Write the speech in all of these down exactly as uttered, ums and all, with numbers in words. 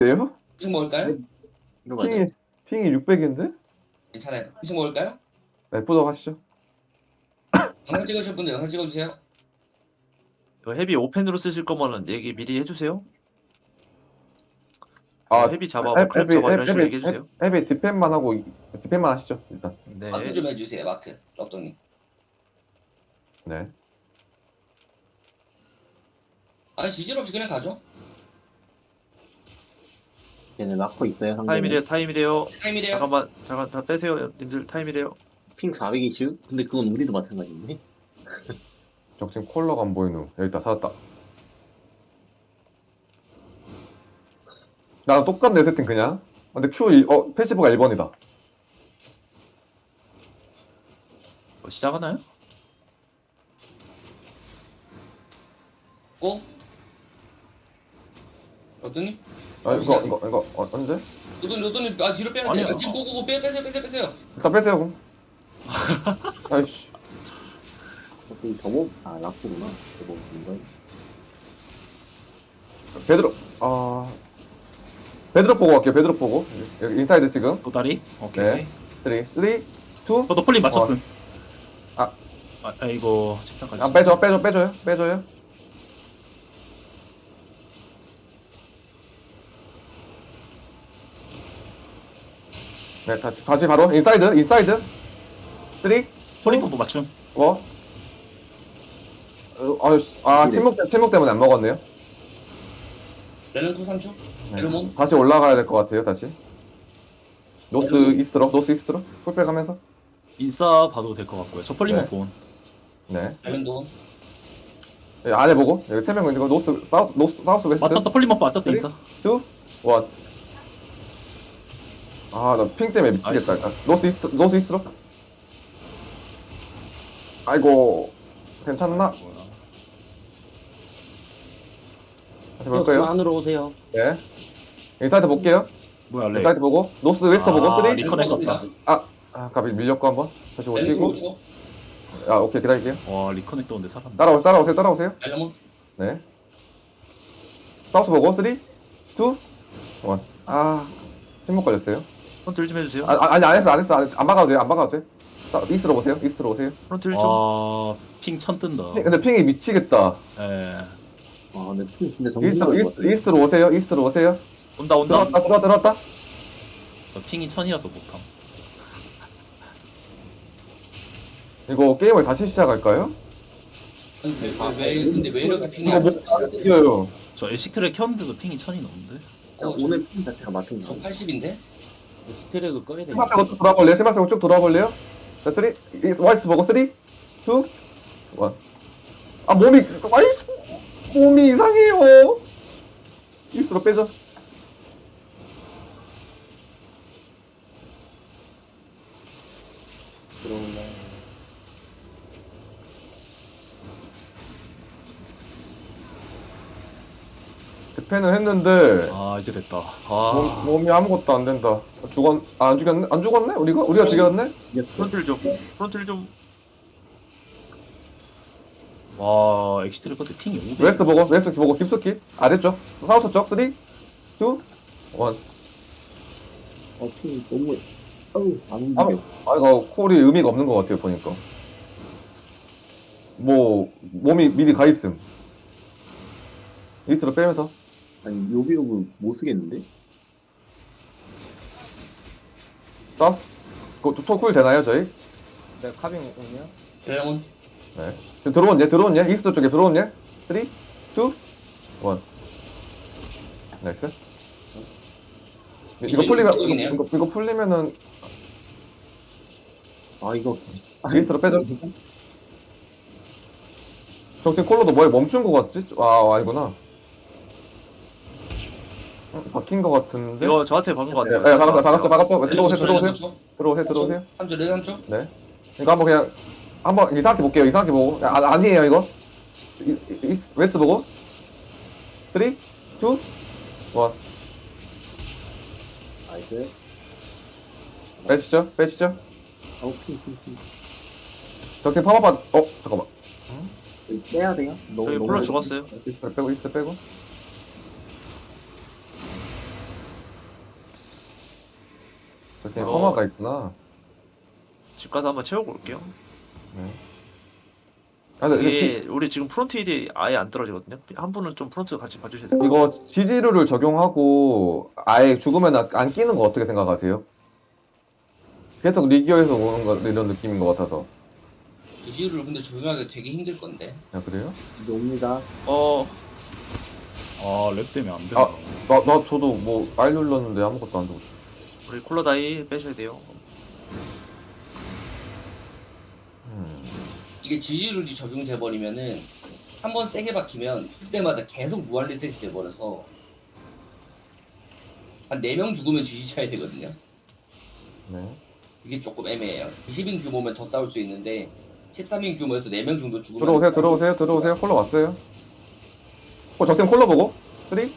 네요? 음식 먹을까요? 이거 맞아? 핑이 핑이 육백인데? 괜찮아요. 음식 먹을까요? 네, 보도록 하시죠. 영상 찍으실 분들 영상 찍어주세요. 이거 헤비 오펜으로 쓰실 거면은 얘기 미리 해주세요. 아, 헤비 잡아, 헤- 뭐 클랩 헤비 잡아 이런 헤비 식으로 헤비 얘기해주세요. 헤비 디펜만 하고 디펜만 하시죠 일단. 네. 마크 좀 해주세요. 마크. 럭동님. 네. 아니 지질 없이 그냥 가죠. 얘네 마커 있어요 상대는? 타임이래요, 타임이래요. 타임이래요. 잠깐만, 잠깐 다 빼세요, 님들 타임이래요. 핑 사백 이슈? 근데 그건 우리도 마찬가지인데? 저 지금 콜러가 안 보이누. 여기 있다 찾았다. 나랑 똑같네 세팅 그냥. 근데 Q 일- 어 패시브가 일 번이다. 뭐 시작하나요? 고. 럭동님. 아 이거 이거 이거 어, 언제? 럭동님 럭동님 아 뒤로 빼야 돼요. 아니요. 아, 지금 고고고 빼 빼세요 빼세요 빼세요. 일단 빼세요 그럼. 아이씨. 어떻게 저거? 아 라프구나 저거 인간 베드로 아 베드로 보고 갈게요. 베드로 보고 여기 인사이드 지금. 도다리? 오케이. 네. 쓰리 쓰리 투. 저도 폴리 맞췄음. 아. 아, 아 이거 책상까지. 아 빼줘 빼줘 빼줘요 빼줘요. 네 다시 다시 바로 인사이드 인사이드. 쓰리 폴리 콤보 맞춤. 뭐? 어, 아, 아 침묵, 때- 침묵 때문에 안 먹었네요. 레렌쿠 삼 초. 네. 에르몬. 다시 올라가야 될 것 같아요, 다시. 노스 에르몬. 이스트로, 노스 이스트로. 풀백 하면서. 인싸 봐도 될 것 같고요. 저 폴리몬 네. 본. 네. 레렌돈. 여기 아래 보고. 여기 세 명은 이거 노스, 사우스, 노스, 사우스 웨스트. 맞췄다, 폴리몬 맞췄다, 쓰리? 인싸. 투, 원. 아, 나 핑 때문에 미치겠다. 아, 노스 이스트, 노스 이스트로. 아이고, 괜찮나? 다시 볼까요? 안으로 오세요. 네. 인사이드 볼게요. 뭐야, 렉. 인사이드 보고. 노스 웨스트 아, 보고. 쓰리. 리커넥 같다. 아, 가비 밀렸고 한번. 다시 레렌쿠 오시고. 오 초. 아, 오케이, 기다릴게요. 와, 리커넥 떠는데 살았네. 따라오세요, 따라오세요, 따라오세요. 에르몬. 네. 사우스 보고, 쓰리, 투, 원. 아, 침묵 걸렸어요. 프론트 좀 해주세요. 아, 아, 아니, 안 했어, 안 했어, 안 했어. 안 막아도 돼요, 안 막아도 돼. 자, 이스트로 오세요, 이스트로 오세요. 프론트 좀. 아. 와, 핑 천 뜬다. 핑- 근데 핑이 미치겠다. 예. 아 근데 핑 진짜 정신 이스트로, 나갈 것 이스트, 같아 이스트로 오세요, 이스트로 오세요. 온다, 온다. 들어왔다, 들어왔다, 들어왔다. 저 핑이 천이라서 못함. 이거 게임을 다시 시작할까요? 아니, 왜, 왜, 왜 근데 왜 이렇게 핑이 이거 안 뭐, 맞지? 이겨요. 저 엘식트를 켰는데도 핑이 천이 넘는데? 어, 저, 오늘 핑 자체가 맞은 저 거 팔십인데? 스테레그 꺼야 돼. 시마 빼고 쭉 돌아볼래요? 시마 빼고 쭉 돌아볼래요? 자, 쓰리, 이- 와이스 보고, 쓰리, 투, 원. 아, 몸이, 와이스, 몸이 이상해요. 이스트로 빼죠. 들어온다 대패는 했는데, 아, 이제 됐다. 몸, 아, 몸이 아무것도 안 된다. 죽었, 아, 안 죽였네? 안 죽었네? 우리가? 우리가 죽였네? 이겼어 프론트를 좀, 프론트를 좀. 와, 엑시트를 껐는데 핑이 오백. 웨스트 보고, 웨스트 보고, 깊숙이. 아래쪽. 사우스 쪽, 쓰리, 투, 원. 어핑 너무 어우 안 아, 움직여 아, 이거 콜이 의미가 없는 것 같아요, 보니까. 뭐, 몸이 미리 가 있음. 이스트로 빼면서. 아니 요비요브 못 쓰겠는데? 서 그거 토쿨 되나요, 저희? 네, 카빙 오냐? 레렌몬. 네. 지금 들어온 얘, 들어온 얘? 이스트 쪽에 들어온 얘? 쓰리, 투, 원. 나이스. 이거 이게 풀리면, 이쪽이네요. 이거, 이거 풀리면은, 아 이거 이스트로 빼죠. 저 지금 콜로도 뭐에 멈춘 것 같지? 아, 아니구나. 어, 바뀐 것 같은데? 이거 저한테 박은 것 네, 같아요. 네, 박았어, 박았어, 박았어. 레렌쿠 들어오세요, 초, 들어오세요. 레렌쿠 초. 들어오세요, 들어오세요. 삼 초, 레렌 삼 초. 네. 이거 한번 그냥, 한번 이상하게 볼게요, 이상하게 보고. 아, 아니에요, 이거. 이, 이, 웨스트 보고. 쓰리, 투, 원. 나이스 빼시죠, 빼시죠. 아우 핑핑핑 저렇게 파마바, 어, 잠깐만. 빼야 돼요? 너무 저기 너무 폴로 죽었어요. 그래, 빼고, 이스트 빼고. 저기 어. 성화가 있구나. 집 가서 한번 채우고 올게요. 네. 아, 근데 이게 이게 우리 지금 프론트 힐이 아예 안 떨어지거든요. 한 분은 좀 프론트 같이 봐주셔야 돼요. 지- 이거 지지루를 적용하고 아예 죽으면 안- 안 끼는 거 어떻게 생각하세요? 계속 리기어에서 오는 거 이런 느낌인 것 같아서. 주지를 근데 조용하게 되게 힘들 건데. 야, 그래요? 이제 옵니다. 어, 아, 랩 때문에 안 된다. 아. 나, 나 저도 뭐 알 눌렀는데 아무것도 안 되고. 우리 콜라다이 빼셔야 돼요. 음. 이게 지지율이 적용돼 버리면은 한 번 세게 박히면 그때마다 계속 무한 리셋이 돼 버려서 한 네 명 죽으면 지지 차야 되거든요. 네. 이게 조금 애매해요. 이십 인 규모면 더 싸울 수 있는데 십삼 인 규모에서 네 명 정도 죽으면 들어오세요, 들어오세요, 들어오세요. 콜러 왔어요. 어, 적팀 콜러 보고. 삼, 이, 일.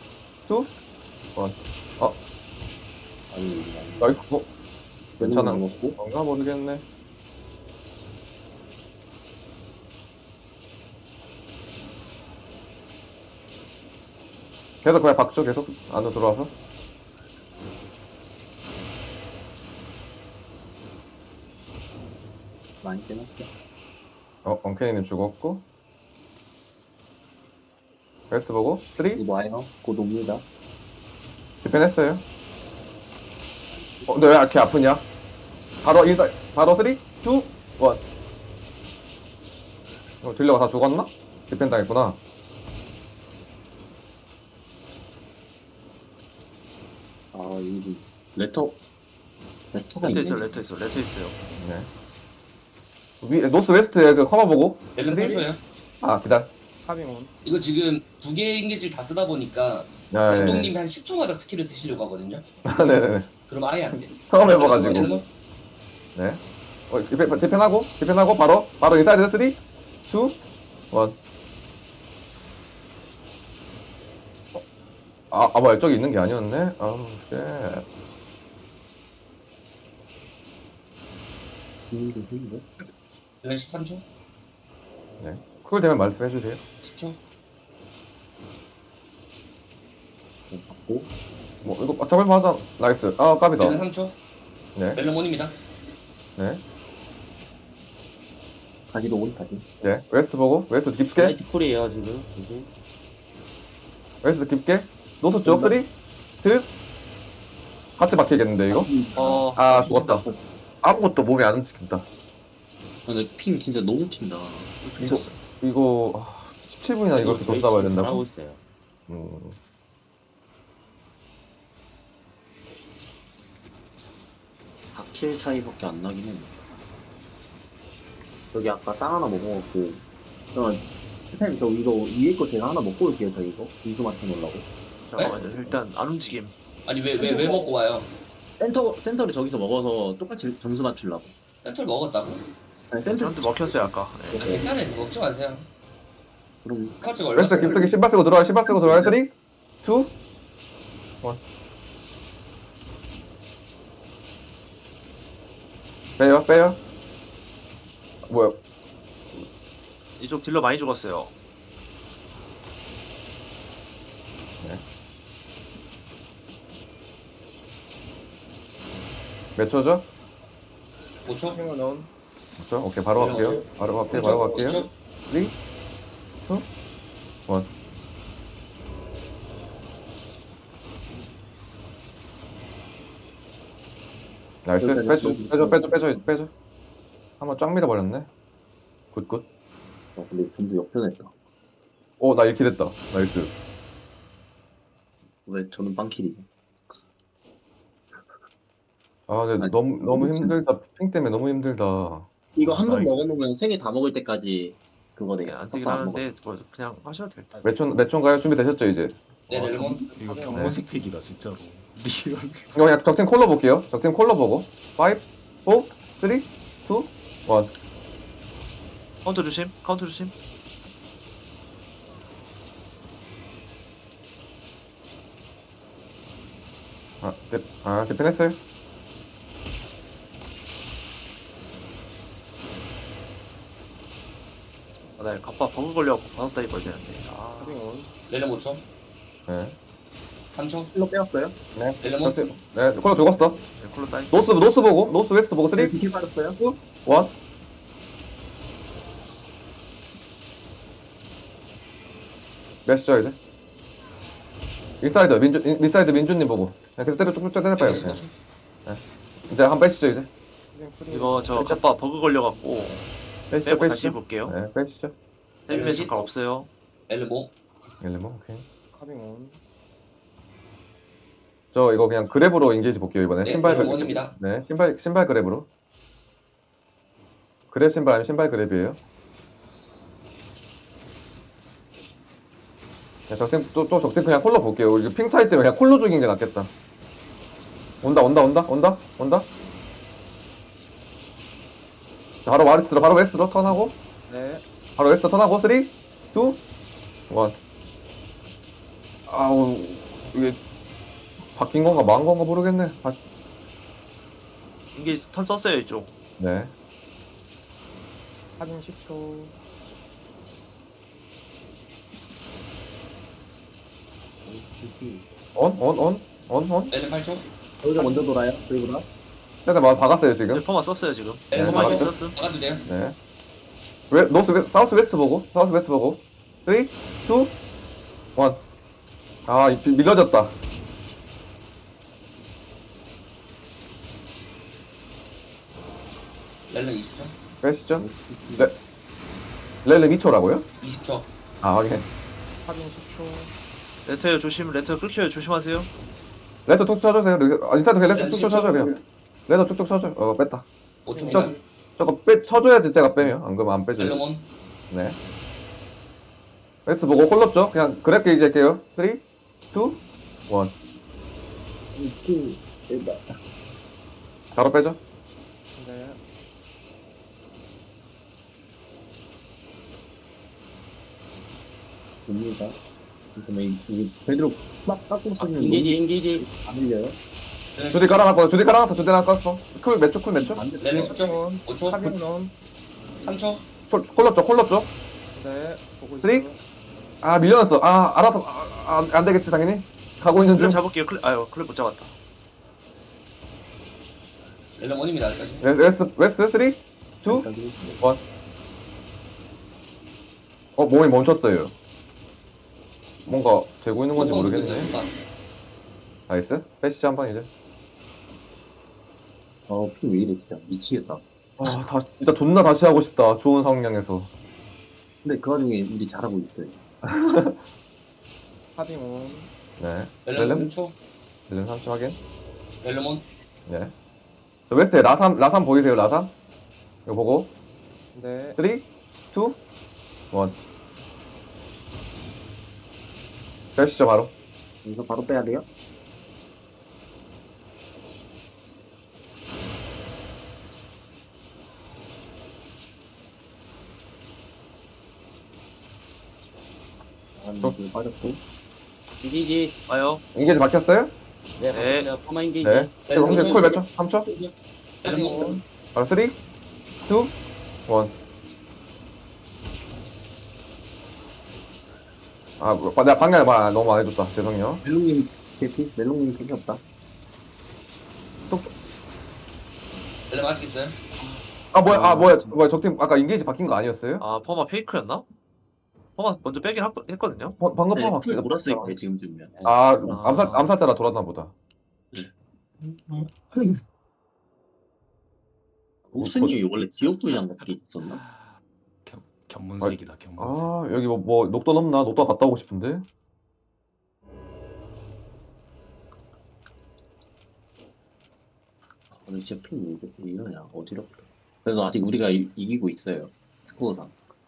아니, 나이스. 어, 괜찮아. 먹고. 뭔가 모르겠네. 계속 그냥 박죠, 계속 안으로 들어와서. 많이 빼놨어. 어, 엉케이님 죽었고. 웨스트 보고. 삼, 이거 와요. 곧 옵니다. 디펜했어요. 어, 근데 왜 이렇게 아프냐? 바로 인사, 바로 삼, 이, 일. 어, 딜러가 다 죽었나? 디펜 당했구나. 아, 여기 레터. 레터가 레터 있네. 있어요, 레터 있어요, 레터 있어요. 네. 위, 노스 웨스트에 그 커버 보고. 멜론 팔 초예요. 아, 기다려. 카빙 온. 이거 지금 두 개의 인게지를 다 쓰다 보니까 네. 감독님이 한 십 초마다 스킬을 쓰시려고 하거든요. 네네네. 그럼 아예 안 돼. 처음 해봐가지고. 멜론 네. 어, 디펜, 디펜하고, 디펜하고, 바로, 바로 인사이드 삼, 이, 일. 아, 아, 뭐야, 저기 있는 게 아니었네? 아우, 쉣. 힘도 힘도. 멜론 십삼 초, 네. 쿨 되면 말씀해주세요. 십 초. 받고. 뭐, 이거, 아, 잡을만 하자. 나이스. 아, 깝이다. 멜론 삼 초. 네. 멜론 원입니다. 네. 다시 로온 다시. 네. 웨스트 보고, 웨스트 깊게, 라이트 콜이에요 지금. 이제. 웨스트 깊게. 노스 쪽, 삼, 이, 일. 같이 박히겠는데, 이거? 어, 아, 죽었다. 아무것도 몸에 안 움직인다. 근데 핑 진짜 너무 튄다. 이거, 이거, 아, 십칠 분이나 이렇게 돈 하고 싸봐야 된다고? 있어요. 음. 사 킬 차이밖에 안 나긴 해. 여기 아까 땅 하나 먹어갖고. 그러면, 선생님, 저 이거 위에 거 제가 하나 먹고 올게요, 저 이거. 인수 맞춰 놓으려고. 잠깐만요. 일단 안 움직임. 아니 왜 왜 왜 먹고 와요? 센터, 센터를 저기서 먹어서 똑같이 점수 맞추려고. 센터를 먹었다고? 아니, 센터, 사람들 먹혔어요 아까. 네. 아, 괜찮아요. 먹지 마세요. 그럼, 카츠가 얼마 웨스트 써요? 깊게 신발 쓰고 들어와요, 신발 쓰고 들어와요. 삼, 이, 일. 빼요, 빼요. 뭐야? 이쪽 딜러 많이 죽었어요. 몇 초죠? 오 초. 카빙 온. 몇 초? 오케이, 바로 갈게요. 바로 갈게요, 바로 갈게요. 오 초. 삼, 이, 일. 나이스. 빼줘, 빼줘, 빼줘, 빼줘, 빼줘. 한번 쫙 밀어버렸네. 굿, 굿. 어, 근데 점수 역전했다. 오, 나 이렇게 됐다. 나이스. 왜 저는 빵킬이죠? 아, 근데 아니, 너무, 너무 미친. 힘들다. 핑 때문에 너무 힘들다. 이거 한 번 아이고. 먹어놓으면 세 개 다 먹을 때까지 그거네. 네, 안 되긴 하는데 뭐 그냥 하셔도 될 듯. 몇 초, 몇 초인가요? 준비되셨죠, 이제? 네, 아, 렐몬. 이거 네. 경호색 팩이다 진짜로. 리얼. 이거 그냥 적팀 콜러 볼게요. 적팀 콜러 보고. 오, 사, 삼, 이, 일. 카운터 조심. 카운터 조심. 아, 네, 아, 디펜했어요. 아, 나 갑바 버그 걸려갖고 바닥 다이 걸리는데. 아, 카빙 온. 렐몬 오 초. 네. 삼 초. 힐러 빼었어요. 네. 렐레몬. 네, 콜로 죽었어. 네, 콜로 따이. 노스, 노스 보고, 노스 웨스트 보고, 네, 쓰리, 비킬 빠졌어요. 일. 몇시죠, 이제? 인사이드, 민주, 인- 인사이드 민주님 보고. 네, 계속 때려, 쭉쭉 때려 봐요. 십오 초. 이제 한 번 빼시죠, 이제. 이거 저 갑바 버그 걸려갖고 빼시죠, 빼고 다시 빼시죠. 해볼게요. 네, 빼시죠. 헤비맨 잠깐 없어요. 엘르모. 일레몬, 오케이. 카빙온. 저 이거 그냥 그랩으로 인게이지 볼게요, 이번에. 네, 신발 그랩. 일레몬입니다. 네, 신발, 신발 그랩으로. 그랩 신발 아니면 신발 그랩이에요. 네, 적팀, 또, 또 적팀 그냥 콜로 볼게요. 우리 핑 차이 때문에 그냥 콜로 죽인 게 낫겠다. 온다, 온다, 온다, 온다, 온다. 자, 바로 와리스로, 바로 웨스트로 턴하고. 네. 바로 웨스트 턴하고. 삼, 이, 일. 아우, 이게 바뀐 건가, 망한 건가 모르겠네. 바... 이게 턴 썼어요 이쪽. 네. 카빙 십 초. 온, 온, 온, 온, 온. 엘르 팔 초. 저희가 먼저 돌아요. 저희보다. 일단 막 박았어요, 지금. 네, 퍼마 썼어요 지금. 엘르 네, 팔 퍼마 초. 썼음. 나가도 돼요. 네. 웨, 노스, 웨, 사우스 웨스트 보고, 사우스 웨스트 보고. 삼, 이, 일. 아, 이- 밀려졌다. 렐레 이십 초. 빼시죠. 네. 렐레 이 초라고요? 이십 초. 아, 확인. 카빙 십 초. 레터요 조심. 레터 끊겨요 조심하세요. 레터 툭툭 쳐주세요. 아, 인사도 레터 렐레 툭툭 십 초. 쳐줘요, 그냥. 레터 쭉쭉 쳐줘. 어, 뺐다. 오 초입니다. 저거 빼, 쳐줘야지 제가 빼면. 안 그러면 안 빼줘요. 렐레몬. 네. 웨스트 보고 콜럽죠? 그냥 그랩 게이지 할게요. 삼, 이, 일. 이렇게 일다. 바로 빼죠. 네. 됩니다. 그러면 이게 베드로 막 깎고 쓰는 인기지, 인기지. 안 밀려요? 주디 깔아놨고, 주디 깔아놨어, 주디 깔아놨어. 쿨 몇 초, 쿨 몇 초? 안 돼. 렐레 십 초. 카빙온. 오 초. 카빙온. 삼 초. 콜- 콜럽죠, 콜럽죠? 네. 보고 쓰리? 있어요. 아, 밀려났어. 아, 알아서, 아, 아, 안 되겠지, 당연히. 가고 있는 중. 클랩 잡을게요. 클랩 아유 클랩 못 잡았다. 렐레몬입니다. 여기까지. 웨- 웨스트, 웨스트, 삼, 이, 일. 어, 몸이 멈췄어요. 뭔가 되고 있는 건지 손 보고 모르겠네. 있어요, 손. 나이스. 빼시죠, 한 번 이제. 어, 피 왜 이래, 진짜. 미치겠다. 아, 다, 진짜 존나 다시 하고 싶다. 좋은 상황에서. 근데 그 와중에 우리 잘하고 있어요. 카빙온. 네. 렐레몬 렐렘? 삼 초. 렐렘 삼 초 확인. 렐레몬. 네. 저 웨스트에 라삼, 라삼 보이세요, 라삼? 이거 보고. 네. 삼, 이, 일. 빼시죠, 바로. 여기서 바로 빼야 돼요? 아, 이거 빠졌고. 인기지. 와요. 인게이지 막혔어요? 네. 네. 네. 퍼마 인기지. 네. 네, 그럼 삼 초. 콜 몇 초? 삼 초? 렐레몬. 바로 삼, 이, 일. 아, 뭐, 내가 방향을 말 너무 안 해줬다. 죄송해요. 멜롱님 개피? 멜롱님 개피 없다. 렐레몬 아직 있어요. 아, 뭐야, 아, 뭐야, 뭐야, 적팀, 아까 인게이지 바뀐 거 아니었어요? 아 퍼마 페이크였나? 퍼마 먼저 빼긴 하- 했거든요. 어, 방금 네, 파마 풀 몰았을 거예요 지금쯤이면. 아, 아. 암살, 암살자라 돌았나 보다. 옵스님이 원래 지옥불이란 거 그게 있었나? 견, 견문색이다 견문색. 아, 여기 뭐, 뭐, 녹돈 없나? 녹돈 갔다 오고 싶은데? 아, 근데 진짜 핑 왜, 왜 이러냐 어지럽다. 그래도 아직 우리가 이, 이기고 있어요 스코어상.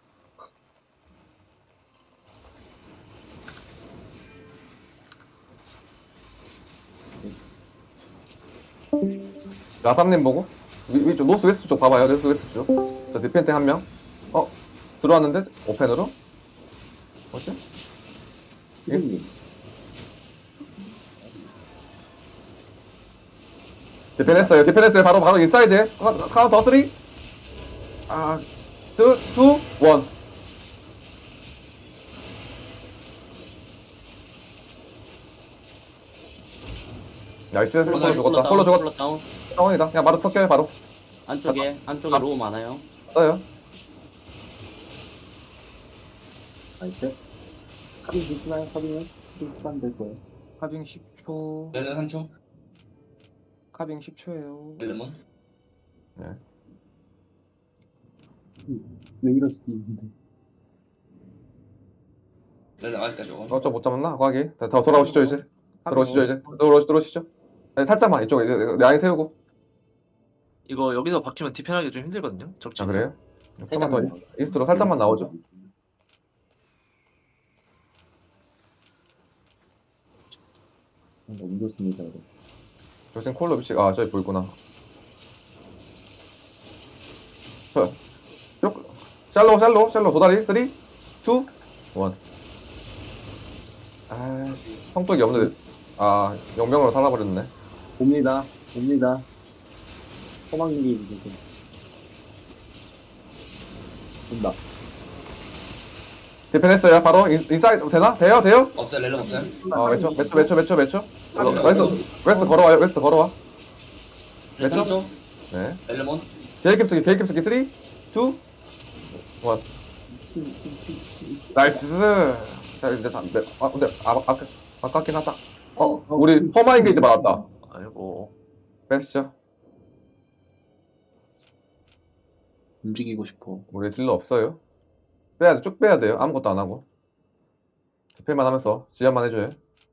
라삼님 보고? 위, 위쪽, 노스 웨스트 쪽 봐봐요. 노스 웨스트 쪽. 저 디펜트 한 명. 어? 들어왔는데? 오펜으로? 뭐지? 피디님. 디펜 했어요. 디펜 했어요. 바로, 바로 인사이드에. 카- 카운터 쓰리. 아, 투, 투, 원. 나이스. 콜로 콜로 죽었다. 다운, 콜로 죽었다. 콜로 다운. 상황이다. 그냥 바로 섞여요, 바로. 안쪽에 안쪽에 로우 많아요. 써요. 나이스. 카빙 조심하요, 카빙은. 카빙 시간 될 거예요. 카빙 십 초. 렐렌 삼 초. 카빙 십 초예요. 렐렌몬. 왜 이러시지, 근데. 렐렌 아직까지 오고. 어쩌 못 잡았나? 과기. 더 돌아오시죠, 이제. 들어오시죠, 이제. 오. 들어오시, 들어오시죠. 네, 살짝만 이쪽에 라인 세우고. 이거 여기서 박히면 디펜하기 좀 힘들거든요. 적지. 아, 그래요? 살짝만 살짝만 더 이스트로 살짝만 나오죠. 너무 좋습니다, 이거. 조심 콜로 비치. 아, 저기 보이구나. 저, 쭉. 샬로, 샬로, 샬로. 도다리. 삼, 이, 일. 아이씨, 성격이 없는데. 아, 영명으로 살아버렸네. 옵니다, 옵니다. 허망기 이제 좀. 온다. 디펜 했어요. 바로 인, 인사이드 되나? 돼요? 돼요? 없어요. 렐렌 없어요. 어, 몇 초? 몇 초? 몇 초? 몇 초? 몇 초? 웨스트, 웨스트 걸어와요. 웨스트 걸어와. 렐렌 삼 초. 네. 렐렌몬. 제이캡 쓰기, 제이캡 쓰기. 삼, 이, 일. 나이스. 자, 이제 다, 네. 아, 근데, 아, 아, 아깝긴 하다. 어, 우리 퍼마 인게이지 받았다. 아이고. 빼시죠. 움직이고 싶어. 우리 딜러 없어요. 빼야 돼, 쭉 빼야 돼요. 아무것도 안 하고. 디펜만 하면서 지연만 해줘요.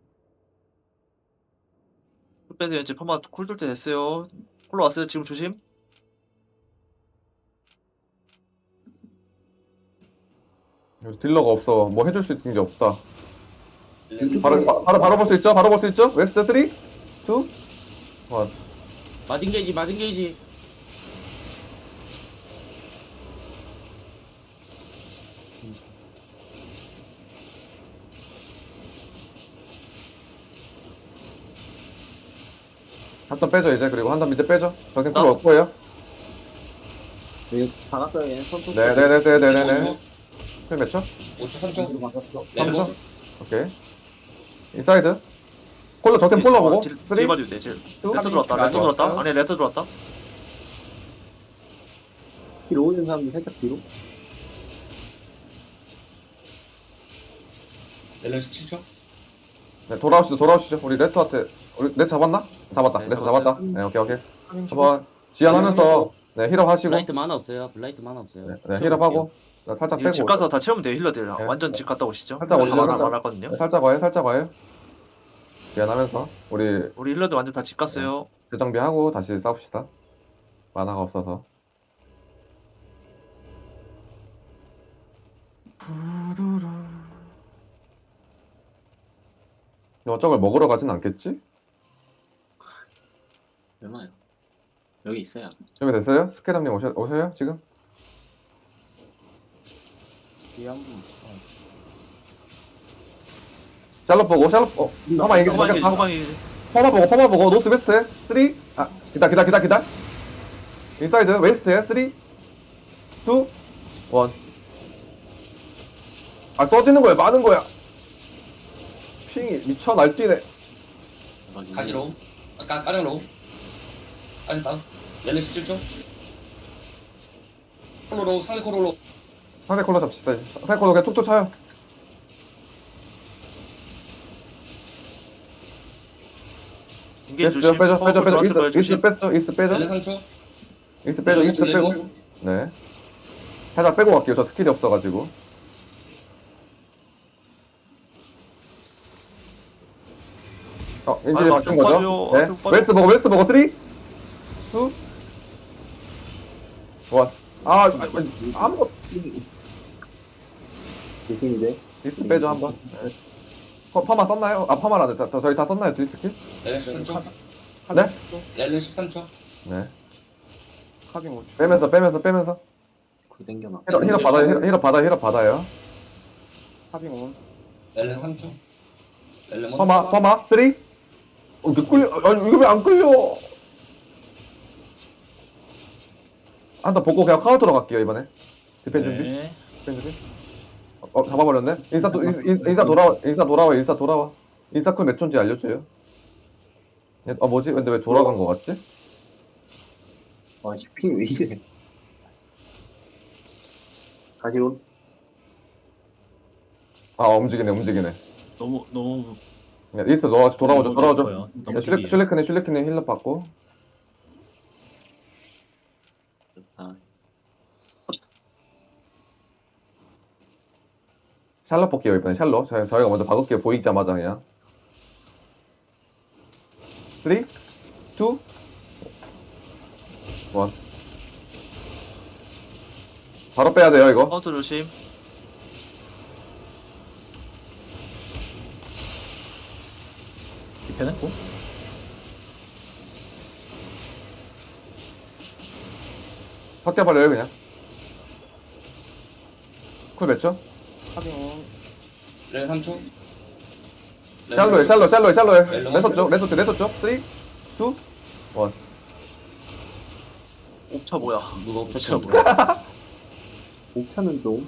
밴드 이제 퍼마 쿨 돌 때 됐어요. 콜로 왔어요. 지금 조심. 여기 딜러가 없어. 뭐 해줄 수 있는 게 없다. 렐렌 바로, 바, 바로, 바로 볼 수 있죠? 바로 볼 수 있죠? 웨스트 삼, 이, 일. 마징 게이지 마징 게이지. 한턴 빼죠, 이제. 그리고 한턴 밑에 빼죠. 정신 나- 쿨 없고요. 여기 박았어요, 얘. 손톱. 네네네네네네. 쿨 몇 초? 오 초. 삼 초. 박았어. 렐렌몬. 오케이. 인사이드. 콜로 적팀 콜로 보고. 딜 삼, 딜 봐주면 돼. 딜. 투, 레터 들어왔다. 레터 들어왔다. 안에 레터 들어왔다. 뒤로 오는 사람들 살짝 뒤로. 렐렌 십칠 초. 네, 돌아오시죠, 돌아오시죠. 우리 레터한테. 우리 레터 잡았나? 잡았다. 네, 레터 잡았어요. 잡았다. 네, 오케이, 오케이. 카빙 십 한번 지연하면서 네, 힐업 하시고. 블라이트 만화 없어요. 블라이트 만화 없어요. 네, 네, 힐업하고. 네, 살짝 이거 빼고. 집 가서 다 채우면 돼요. 힐러들. 네. 완전 집 갔다 오시죠. 살짝 다 오시죠, 많아 살짝. 많았거든요. 네, 살짝 와요, 살짝 와요. 지연하면서 우리 우리 힐러들 완전 다 집 갔어요. 재정비하고 다시 싸웁시다. 만화가 없어서. 저걸 먹으러 가진 않겠지? 얼마요? 여기 있어요. 준비됐어요? 스케담님 오셔, 오셔요? 지금? 뒤에 한 분. 샬롯 보고, 샬롯, 어, 퍼마 이게 호방이 잠깐, 호방이 퍼마 보고, 퍼마 보고, 노스 웨스트, 쓰리, 아, 기다, 기다, 기다, 기다. 인사이드, 웨스트에, 쓰리, 투, 원. 아, 써지는 거야, 많은 거야. 핑이 미쳐 날뛰네. 가지로. 아까 까장로. 까장 다운. 렐렌 십칠 초. 콜로로 상대 콜로로. 상대 콜러 잡시다. 이제. 상대 콜러 그냥 툭툭 쳐요. 인게이 이스트 조심. 빼죠, 빼죠, 빼죠. 들어왔을 거예요. 이스트, 이스트 조심. 빼죠, 이스트 빼죠. 렐렌 삼 초. 이스트 빼죠, 이스트 빼고. 네. 살짝 빼고 갈게요. 저 스킬이 없어가지고. 어, 인질이 아이고, 바뀐 좀 거죠? 빠져요. 네. 좀 빠져. 웨스트 보고, 웨스트 보고, 삼, 이, 일. 원. 아, 아, 아, 아무것도. 조심인데. 이스트 빼죠, 한 번. 네. 퍼- 퍼마 썼나요? 아, 퍼마라네. 다- 다- 저희 다 썼나요, 딜 스킬? 렐렌 십삼 초. 네? 렐렌 십삼 초. 네. 카빙 오 초. 빼면서, 빼면서, 빼면서. 그 땡겨놔. 힐업, 힐업 받아요, 힐업, 힐업 받아요, 힐업 받아요. 카빙 온. 렐렌 삼 초. 렐렌몬. 퍼마, 퍼마, 삼, 어, 왜 끌려? 아니, 이거 왜 안 끌려? 한 번 보고 그냥 카운터로 갈게요, 이번에. 디펜 준비. 네. 디펜 준비. 어, 잡아버렸네. 인사, 도, 인, 인- 인사 돌아와, 인사 돌아와, 인사 돌아와. 인사 쿨 몇 초인지 알려줘요. 얘- 아 뭐지? 근데 왜 돌아간 거 같지? 아, 슈핑 왜 이래. 다시 온. 아 움직이네 움직이네. 너무 너무 야, 이스트 넣어 돌아오죠 너무 돌아오죠. 깊어요. 너무 야, 슐레 깊이에요. 슐레크네 슐레크네 힐러 받고. 좋다. 샬럿 볼게요 이번에 샬럿. 저희, 저희가 먼저 박을게요 보이자마자 그냥. 삼, 이, 일. 바로 빼야 돼요 이거. 카운터 조심. 디펜했고 섞여 버려요 그냥. 쿨 몇 초? 카빙 온. 렐 삼 초. 샬로에 샬로 샬로에 샬로에 멜로. 레서 쪽 레서 쪽 레서 쪽 삼, 이, 일. 옵차 뭐야? 누가 옵차 없었죠? 뭐야? 옥차는 좀.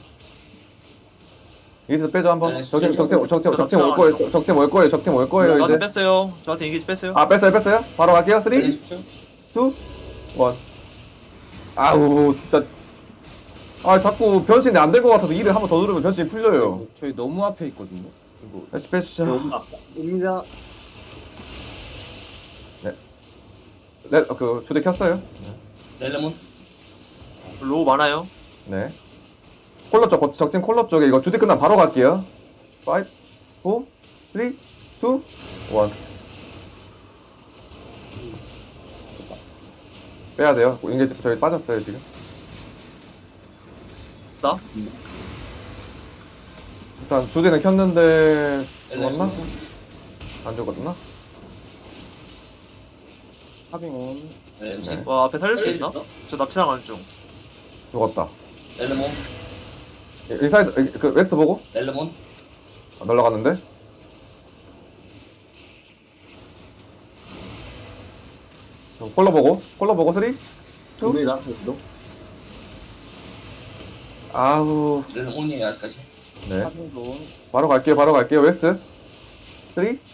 여기서 빼줘 한번. 네, 적팀 진짜. 적팀 적팀 적팀 올 거예요. 적팀 올 거예요. 적팀 올 거예요 저한테 이제. 뺐어요. 저한테 인게이지 뺐어요. 아 뺐어요 뺐어요. 바로 갈게요. 삼, 이, 렐 일. 십 초. 아우 진짜. 아 자꾸 변신이 안 될 것 같아서 일을 한번 더 누르면 변신이 풀려요. 저희 너무 앞에 있거든요. 이거 다시 빼주자. 온다. 옵니다. 네, 어, 그 초대 켰어요. 렐레몬. 로우 많아요. 네. 콜러 쪽, 거- 적팀 콜러 쪽에 이거 주디 끝나면 바로 갈게요. 오, 사, 삼, 이, 일. 빼야 돼요. 인게 저기 빠졌어요 지금. 나? 일단 주디는 켰는데 렐레 죽었나? 삼 초. 안 죽었나? 카빙 온. 렐 십. 와 앞에 살릴 수 있나? 저 납치당 안 중. 죽었다. 렐레몬. 인사이드 그 웨스트 보고 렐레몬. 아, 날라갔는데. 저 콜러 보고 콜러 보고 쓰리. 투. 옵니다. 여기도. 아우. 렐레몬이에요 아직까지. 네. 카빙 온. 바로 갈게요, 바로 갈게요. 웨스트. 삼, 이,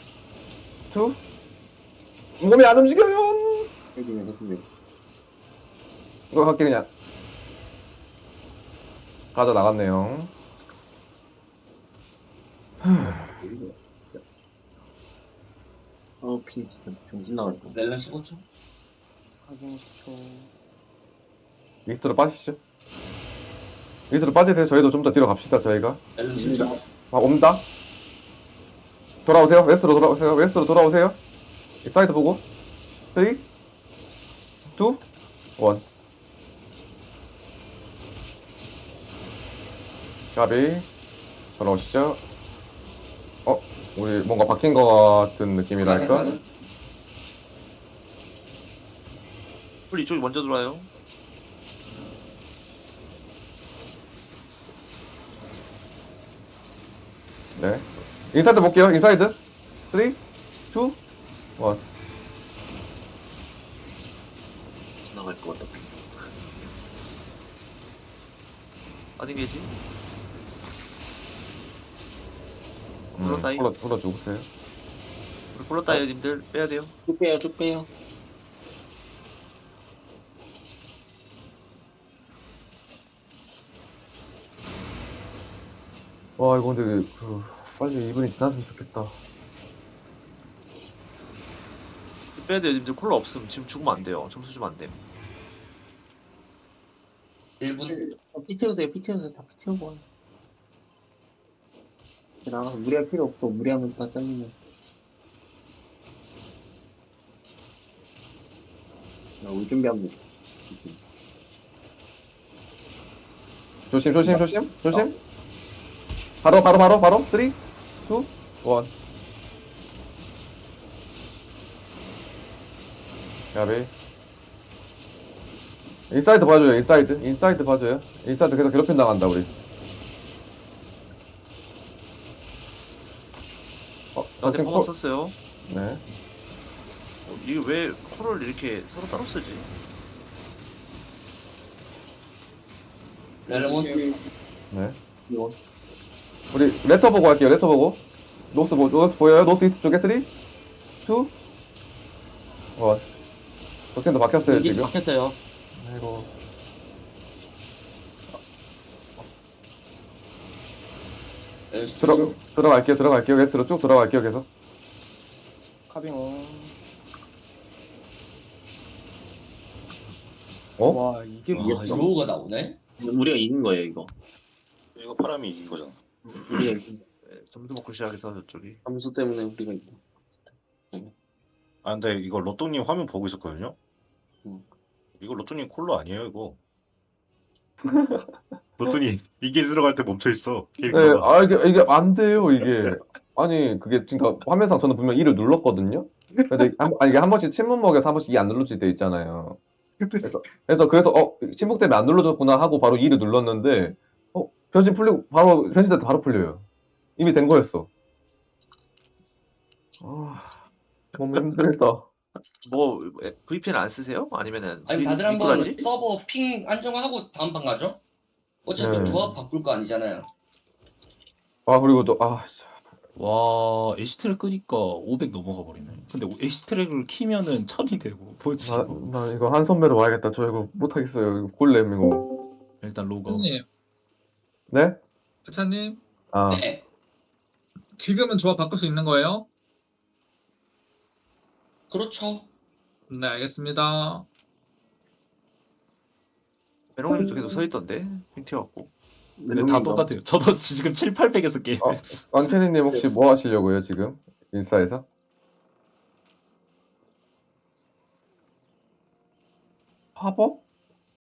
몸이 안 움직여요. 해주면 해주면. 이거 갈게 그냥. 가져 나갔네요. 진짜. 어, 피 진짜 정신 나갈 거. 렐레 십오 초. 카빙 십 초. 이스트로 빠지시죠. 이스트로 빠지세요. 저희도 좀 더 뒤로 갑시다. 저희가. 렐레 십 초. 아, 옵니다. 돌아오세요. 웨스트로 돌아오세요. 웨스트로 돌아오세요. 이 사이드 보고. 삼, 이, 일. 가비. 돌아오시죠. 어? 우리 뭔가 바뀐 것 같은 느낌이랄까? 맞아. 풀 이쪽이 먼저 들어와요. 네. 인사이드 볼게요. 인사이드. 삼, 이, 일. 나갈 것 같다. 어디 계지? 음, 불렀다이. 불러, 불러 주세요. 우리 불렀다요 님들 빼야 돼요. 쭉 빼요, 쭉 빼요. 와, 이거 근데 그 빨리 이 분이 지났으면 좋겠다. 빼야 돼요 님들. 콜라 없음. 지금 죽으면 안 돼요. 점수 주면 안 돼. 일 분. 어, 피 채우세요, 피 채우세요. 다 피 채우고 와요. 나가서 무리할 필요 없어. 무리하면 다 잘리면. 나 우리 준비합니다. 조심, 조심, 조심, 조심. 바로, 바로, 바로, 바로. 삼, 이, 일. 야베. 인사이드 봐줘요, 인사이드. 인사이드 봐줘요. 인사이드 계속 괴롭힘 당한다, 우리. 어, 나한테 적팀 퍼마 콜- 썼어요. 네. 어, 이게 왜 콜을 이렇게 서로 따로 쓰지? 렐레몬. 네. 이거. 우리 레터 보고 할게요, 레터 보고. 노스, 보, 노스 보여요? 노스 이스트 쪽에 삼, 이, 일. 와. 적팀도 바뀌었어요, 인게이지 지금. 바뀌었어요. 아이고. 네, 들어, 들어갈게요, 들어갈게요. 게스트로 쭉 들어갈게요, 계속. 카빙 온. 어? 와 이게 와, 뭐야? 이로우가 나오네? 우리가 이긴 거예요 이거. 이거 파람이 이긴 거잖아. 우리가 이긴 네, 점수 먹고 시작해서 저쪽이. 점수 때문에 우리가 이겼어. 아 근데 이거 로또님 화면 보고 있었거든요. 음. 이거 로또님 콜로 아니에요 이거. 로또님 이게 들어갈 때 멈춰 있어. 네, 캐릭터가. 아, 이게, 이게 안 돼요, 이게. 아니, 그게, 그니까, 화면상 저는 분명 이를 눌렀거든요? 근데, 한, 아니, 이게 한 번씩 침묵먹에서 한 번씩 이 안 눌러질 때 있잖아요. 그래서, 그래서, 그래서, 어, 침묵 때문에 안 눌러졌구나 하고 바로 이를 눌렀는데, 어, 변신 풀리고, 바로, 변신될 때 바로 풀려요. 이미 된 거였어. 아, 너무 힘들다. 뭐 브이피엔 안 쓰세요? 아니면은 아니 미- 다들 한번 미꾸라지? 서버 핑 안정하고 다음 판 가죠? 어차피 네. 조합 바꿀 거 아니잖아요. 아, 그리고 또, 아, 씨. 와 에시트를 끄니까 오백 넘어가 버리네. 근데 에시트를 키면은 천이 되고 뭐지 나, 이거. 나 이거 한 선배로 와야겠다. 저 이거 못하겠어요. 이거 골렘, 이거. 일단 로고. 님, 네? 부차님, 아, 네. 지금은 조합 바꿀 수 있는 거예요? 그렇죠. 네, 알겠습니다. 메롱님도 계속 서 있던데 핑 튀어갖고. 근데 다 똑같아요. 저도 지금 칠, 팔백에서 게임했어. 안케니님 혹시 뭐 하시려고요, 지금? 인스타에서? 팝업?